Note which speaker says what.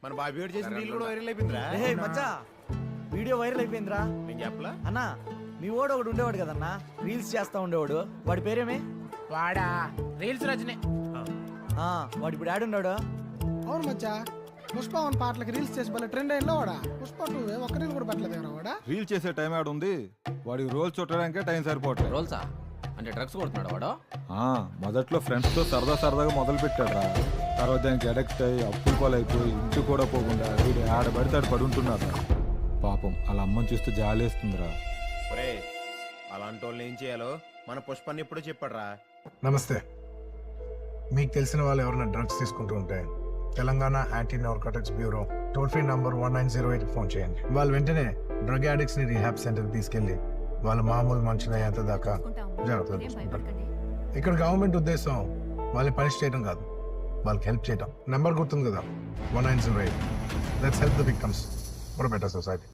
Speaker 1: మన బాబీ గారు చేసిన రీల్ కూడా వైరల్ అయిపోయిందిరా.
Speaker 2: మచ్చా వీడియో వైరల్ అయిపోయిందిరా.
Speaker 1: నేను చెప్పలా
Speaker 2: అన్నా మీ ఓడు ఒకడు ఉండేవాడు కదన్నా, రీల్స్ చేస్తా ఉండేవాడు. వాడి పేరేమే?
Speaker 3: వాడా రీల్స్ రచనే.
Speaker 2: వాడు ఇప్పుడు ఆడున్నాడు.
Speaker 4: అవును మచ్చా, పుష్ప వన్ పాటలకి రీల్స్ చేసి భలే ట్రెండ్ అయ్యిందో వాడా. పుష్ప 2 ఒక్క రీల్ కూడా పెట్టలేదు వాడా.
Speaker 5: రీల్ చేసే టైం ఆడ ఉంది, వాడికి రోల్ చుట్టడానికే టైం సరిపోవట్లేదు.
Speaker 3: రోల్సా అంటే డ్రగ్స్ కొడుతున్నాడు వాడు.
Speaker 5: మొదట్లో ఫ్రెండ్స్ తో సరదాగా మొదలు పెట్టాడు రా. తర్వాత దానికి అడక్ట్ అయ్యి అప్పులు పాలైపోయి ఇంటి కూడా పోకుండా వీడు ఆడబడితే ఆడు పడుంటున్నాడు. పాపం అలా అమ్మని చూస్తే జాలేస్తుందిరా.
Speaker 1: ఒరే అలాంటి వాళ్ళు ఏం చేయాలో మన పుష్పాన్ని ఎప్పుడో చెప్పాడురా.
Speaker 6: నమస్తే. మీకు తెలిసిన వాళ్ళు ఎవరైనా డ్రగ్స్ తీసుకుంటూ ఉంటే Telangana anti narcotics bureau toll free number 1908 phone చేయండి. వాళ్ళు వెంటనే డ్రగ్ అడిక్ట్స్ ని రీహాబ్ సెంటర్ తీసుకెళ్లి వాళ్ళు మామూలు మనుషులు అయ్యేంత దాకా జాగ్రత్తలు తీసుకుంటారు. ఇక్కడ గవర్నమెంట్ ఉద్దేశం వాళ్ళని పనిష్ చేయడం కాదు, వాళ్ళకి హెల్ప్ చేయడం. నెంబర్ గుర్తుంది కదా, 1908. Let's help the victims for better society.